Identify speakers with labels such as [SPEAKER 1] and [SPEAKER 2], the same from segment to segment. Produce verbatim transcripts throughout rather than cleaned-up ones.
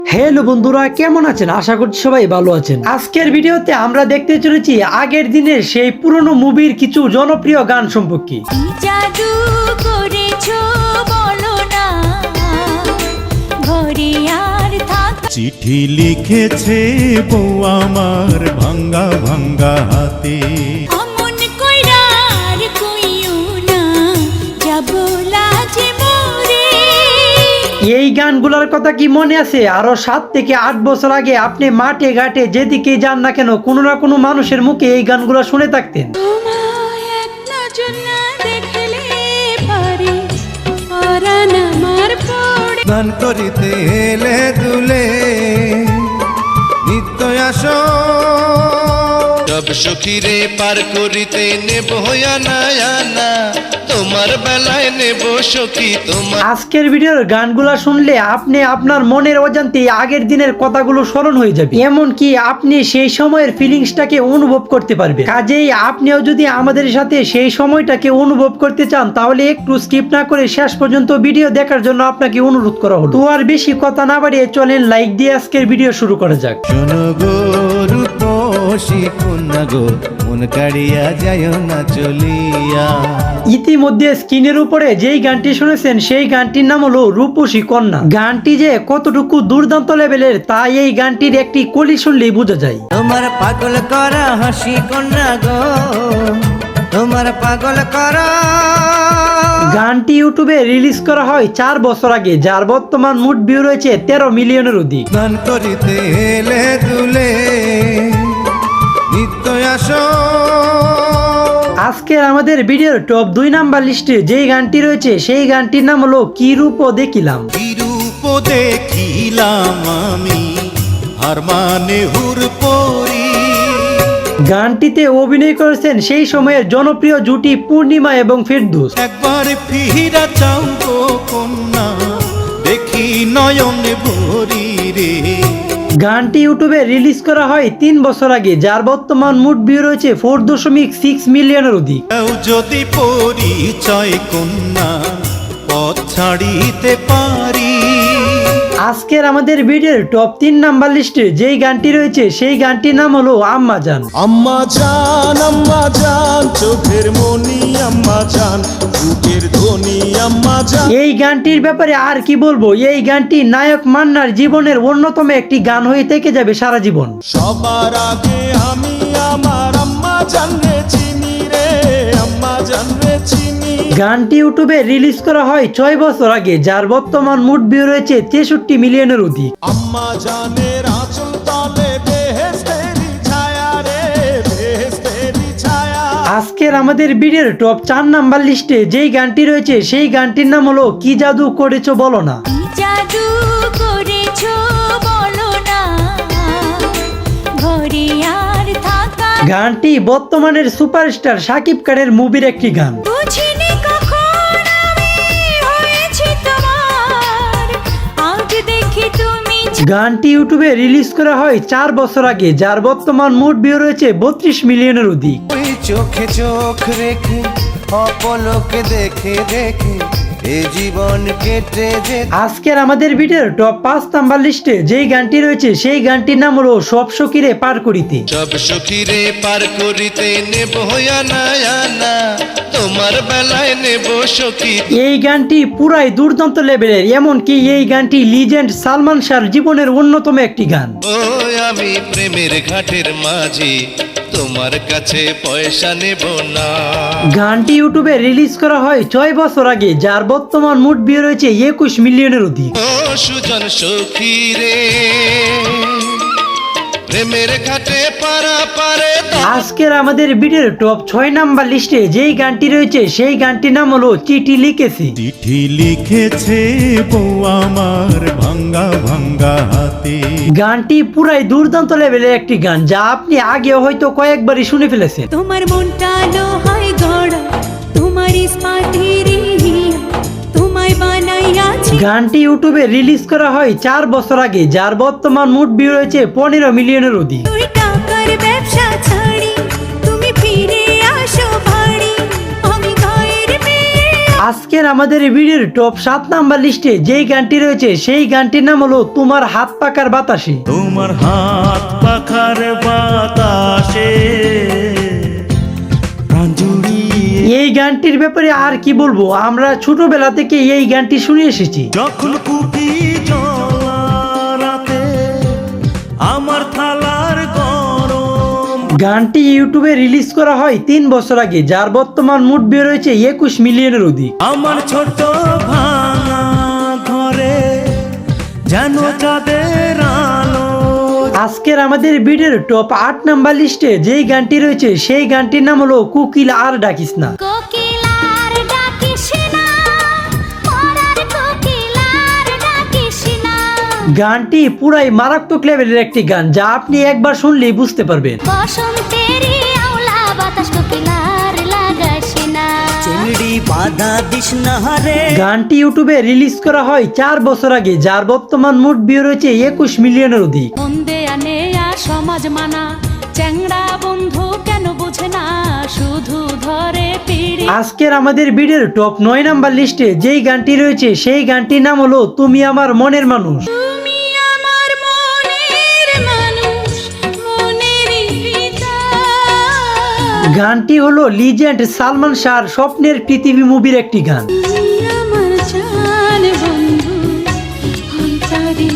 [SPEAKER 1] Hello বন্ধুরা, কেমন আছেন? আশা করছি সবাই ভালো আছেন। আজকের ভিডিওতে আমরা দেখতে চলেছি আগের দিনের সেই পুরনো মুভির কিছু জনপ্রিয় গান সম্পর্কে।
[SPEAKER 2] জাদু করেছো বলো না ঘরে আর থাক।
[SPEAKER 3] চিঠি লিখেছে বউ আমার ভাঙ্গা ভাঙ্গা হাতে।
[SPEAKER 2] অমন কইরা আর কইও না যাব লাজে মরে।
[SPEAKER 1] এই গানগুলোর কথা কি মনে আছে? আরো সাত থেকে আট বছর আগে আপনি মাঠে ঘাটে যেদিকে যান না কেন, কোনো না কোনো মানুষের মুখে এই গানগুলো শুনে থাকতেন।
[SPEAKER 2] তোমায় এক নজর না দেখলে পারে পরাণ আমার পড়ে।
[SPEAKER 3] গান করিতে এলে দুলে নিত্য আসো সব সখীরে পার করিতে নেব না না তোমার বেলায় নেব সখী তোমার।
[SPEAKER 1] আজকের ভিডিওর গানগুলো শুনলে আপনি আপনার মনের অজান্তে আগের দিনের কথাগুলো স্মরণ হয়ে যাবে, এমনকি আপনি সেই সময়ের ফিলিংসটাকে অনুভব করতে পারবেন। কাজেই আপনিও যদি আমাদের সাথে সেই সময়টাকে অনুভব করতে চান, তাহলে একটু স্কিপ না করে শেষ পর্যন্ত ভিডিও দেখার জন্য আপনাকে অনুরোধ করা হলো। তো আর বেশি কথা না বাড়িয়ে চলেন লাইক দিয়ে আজকের ভিডিও শুরু করা যাক।
[SPEAKER 3] শোনো গো রূপসী কন্যা গো, মন কাড়িয়া যায় না চলিয়া।
[SPEAKER 1] ইতিমধ্যে স্ক্রিনের উপরে যেই গানটি শুনেছেন সেই গানটির নাম হলো রূপসী কন্যা। গানটি যে কতটুকু দুর্দান্ত লেভেলের তা এই গানটির একটি কলি শুনলেই বোঝা যায়।
[SPEAKER 4] তোমার পাগল করা হাসি কন্যা গো, তোমার পাগল করা।
[SPEAKER 1] গানটি ইউটিউবে রিলিজ করা হয় চার বছর আগে, যার বর্তমান মোট ভিউ রয়েছে তেরো মিলিয়নের অধিক।
[SPEAKER 3] গান করিতে এলে দুলে নিত্য আসো।
[SPEAKER 1] আজকের আমাদের ভিডিওর টপ দুই নাম্বার লিস্টে যেই গানটি রয়েছে সেই গানটির নাম হলো কি রূপ দেখিলাম।
[SPEAKER 3] কি রূপ দেখিলাম আমি আর মানে হুর পরি।
[SPEAKER 1] গানটিতে অভিনয় করেছেন সেই সময়ের জনপ্রিয় জুটি পূর্ণিমা এবং ফেরদৌস।
[SPEAKER 3] একবার ফিরা চাও গো কন্যা, দেখি নয়নে ভরি রে।
[SPEAKER 1] গানটি ইউটিউবে রিলিজ করা হয় তিন বছর আগে, যার বর্তমান মোট ভিউ রয়েছে ফোর দশমিক সিক্স মিলিয়নের অধিক।
[SPEAKER 3] কেউ যদি পরিচয় কন্যা পথ ছাড়িতে পারি।
[SPEAKER 1] আজকের আমাদের ভিডিওর টপ তিন নাম্বার লিস্টে যেই গানটি রয়েছে সেই গানটির নাম হলো আম্মা জান।
[SPEAKER 3] আম্মা জান আম্মা জান চোখের মনি আম্মা জান বুকের ধ্বনি আম্মা জান।
[SPEAKER 1] এই গানটির ব্যাপারে আর কি বলবো, এই গানটি নায়ক মান্নার জীবনের অন্যতম একটি গান হয়ে থেকে যাবে সারা জীবন।
[SPEAKER 3] সবার আগে আমি আমার আম্মা জান রে চিনি রে, আম্মা জান রে চিনি।
[SPEAKER 1] গানটি ইউটিউবে রিলিজ করা হয় ছয় বছর আগে, যার বর্তমান মোট ভিউ রয়েছে তেষট্টি মিলিয়নের অধিক।
[SPEAKER 3] আম্মা জানের আঁচল তলে বেহেশতেরি ছায়া রে, বেহেশতেরি ছায়া।
[SPEAKER 1] আজকের আমাদের ভিডিওর টপ চার নাম্বার লিস্টে যেই গানটি রয়েছে সেই গানটির নাম হলো কি জাদু করেছো বলো না।
[SPEAKER 2] জাদু করেছো বলো না ঘরে আর থাকা।
[SPEAKER 1] গানটি বর্তমানের সুপারস্টার শাকিব খানের মুভির একটি গান।
[SPEAKER 2] বুঝিনি কখন আমি হয়েছি তোমার, আজ দেখি তুমি।
[SPEAKER 1] গানটি ইউটিউবে রিলিজ করা হয় চার বছর আগে, যার বর্তমান মোট ভিউ রয়েছে বত্রিশ মিলিয়নের অধিক।
[SPEAKER 4] ওই চোখে চোখ রেখে অপলকে দেখে দেখে এ জীবন কেটে যে।
[SPEAKER 1] আজকের আমাদের ভিডিওর টপ পাঁচ নাম্বার লিস্টে যেই গানটি রয়েছে সেই গানটির নাম হলো সব সখীরে পার করিতে।
[SPEAKER 3] সব সখীরে পার করিতে নেব না না তোমার বেলায় নেব সখী।
[SPEAKER 1] এই গানটি পুরাই দুর্দান্ত লেভেলের, এমনকি এই গানটি লিজেন্ড সালমান শাহর জীবনের অন্যতম একটি গান।
[SPEAKER 3] ও আমি প্রেমের ঘাটের মাঝি তোমার কাছে পয়সা নেব না।
[SPEAKER 1] গানটি ইউটিউবে রিলিজ করা হয় ছয় বছর আগে, যার বর্তমান মোট ভিউ রয়েছে একুশ মিলিয়নের অধিক।
[SPEAKER 3] ও সুজন সখী রে প্রেমের ঘাটে পারা পারে।
[SPEAKER 1] আজকের আমাদের ভিডিওর টপ ছয় নাম্বার লিস্টে যেই গানটি রয়েছে সেই গানটির নাম হলো চিঠি লিখেছি।
[SPEAKER 3] চিঠি লিখেছে বউ আমার ভাঙ্গা ভাঙ্গা হাতে।
[SPEAKER 1] গানটি পুরাই দুর্দান্ত লেভেলের একটি গান, যা আপনি আগেও হয়তো কয়েকবারই শুনে ফেলেছেন।
[SPEAKER 2] তোমার মনটা লোহায় গড়া, তোমার ইস্পাতের হিয়া, তোমায় বানাইয়াছি।
[SPEAKER 1] গানটি ইউটিউবে রিলিজ করা হয় চার বছর আগে, যার বর্তমান মোট ভিউ রয়েছে পনেরো মিলিয়নের অধিক।
[SPEAKER 2] তুই টাকার ব্যবসা ছাড়ি তুমি ফিরে আসো ভাড়ি, আমি গায়ের মেয়ে।
[SPEAKER 1] আজকের আমাদের ভিডিওর টপ সাত নাম্বার লিস্টে যেই গানটি রয়েছে সেই গানটির নাম হলো তোমার হাত পাকার বাতাসে।
[SPEAKER 5] তোমার হাত পাখার বাতাসে প্রাণ জুড়িয়ে
[SPEAKER 1] এই গানটির ব্যাপারে আর কি বলবো, আমরা ছোটবেলা থেকে এই গানটি শুনে এসেছি।
[SPEAKER 5] যখন কুপি জ্বলা রাতে আমার থালার গরম।
[SPEAKER 1] গানটি ইউটিউবে রিলিজ করা হয় তিন বছর আগে, যার বর্তমান মুড বের হয়েছে একুশ মিলিয়নের অধিক।
[SPEAKER 5] আমার ছোট ভাঙা ঘরে যেন চাঁদের আলো।
[SPEAKER 1] আজকের আমাদের ভিডিওর টপ আট নাম্বার লিস্টে যেই গানটি রয়েছে সেই গানটির নাম হলো কোকিল আর ডাকিস না।
[SPEAKER 2] কোকিলার ডাকিস না, পরার কোকিলার ডাকিস না।
[SPEAKER 1] গানটি পুরাই মারাত্মক লেভেলের একটি গান, যা আপনি একবার শুনলেই বুঝতে পারবেন।
[SPEAKER 2] বসন্তেরই আওলা বাতাস কোকিলার লাগাস না।
[SPEAKER 6] চিংড়ি বাধা দিস না রে।
[SPEAKER 1] গানটি ইউটিউবে রিলিজ করা হয় চার বছর আগে, যার বর্তমান মুড ভিউ রয়েছে একুশ মিলিয়নের অধিক।
[SPEAKER 7] বন্দে আনেয়া সমাজ মানা চ্যাংড়া বন্ধু কেন বুঝে না শুধু ধরে পিড়ি।
[SPEAKER 1] আজকের আমাদের ভিডিওর টপ নয় নাম্বার লিস্টে যেই গানটি রয়েছে সেই গানটির নাম হলো তুমি আমার মনের মানুষ।
[SPEAKER 2] তুমি আমার মনের মানুষ, মনেরই পিতা।
[SPEAKER 1] গানটি হলো লিজেন্ড সালমান শাহর স্বপ্নের পৃথিবী মুভির একটি গান।
[SPEAKER 2] তুমি আমার জান বন্ধু, অন্তরের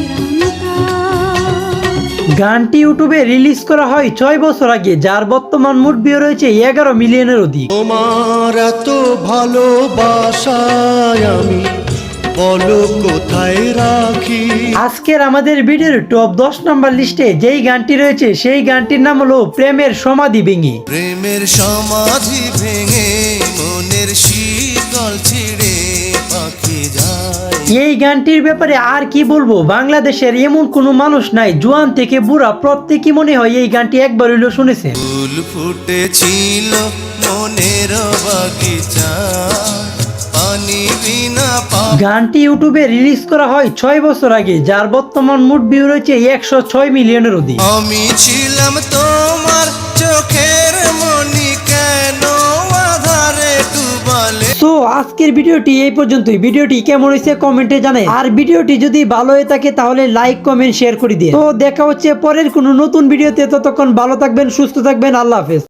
[SPEAKER 2] অন্তর।
[SPEAKER 1] গানটি ইউটিউবে রিলিজ করা হয় ছয় বছর আগে, যার বর্তমান মুড ভিউ রয়েছে এগারো মিলিয়নের অধিক।
[SPEAKER 3] তোমার এত ভালোবাসায় আমি বলো কোথায় রাখি।
[SPEAKER 1] আজকের আমাদের ভিডিওর টপ দশ নাম্বার লিস্টে যেই গানটি রয়েছে সেই গানটির নাম হলো প্রেমের সমাধি ভেঙে।
[SPEAKER 3] প্রেমের সমাধি ভেঙে মনের শীতল ছিঁড়ে পাখি যায়।
[SPEAKER 1] এই গানটির ব্যাপারে আর কি বলবো, বাংলাদেশের এমন কোনো মানুষ নাই, জোয়ান থেকে বুড়া প্রত্যেকই মনে হয় এই গানটি একবার হইলেও শুনেছে।
[SPEAKER 3] ফুল ফুটেছিল মনের বাগিচা পানি বিনা পা।
[SPEAKER 1] গানটি ইউটিউবে রিলিজ করা হয় ছয় বছর আগে, যার বর্তমান মুড ভিউ রয়েছে একশো ছয় মিলিয়নের অধিক।
[SPEAKER 3] আমি ছিলাম তোমার চোখের মনি কেন আধারে ডুবালে।
[SPEAKER 1] তো আজকের ভিডিওটি এই পর্যন্তই। ভিডিওটি কেমন হয়েছে কমেন্টে জানাই, আর ভিডিওটি যদি ভালো হয়ে থাকে তাহলে লাইক কমেন্ট শেয়ার করে দিয়ে। তো দেখা হচ্ছে পরের কোনো নতুন ভিডিওতে, ততক্ষণ ভালো থাকবেন, সুস্থ থাকবেন, আল্লাহ হাফেজ।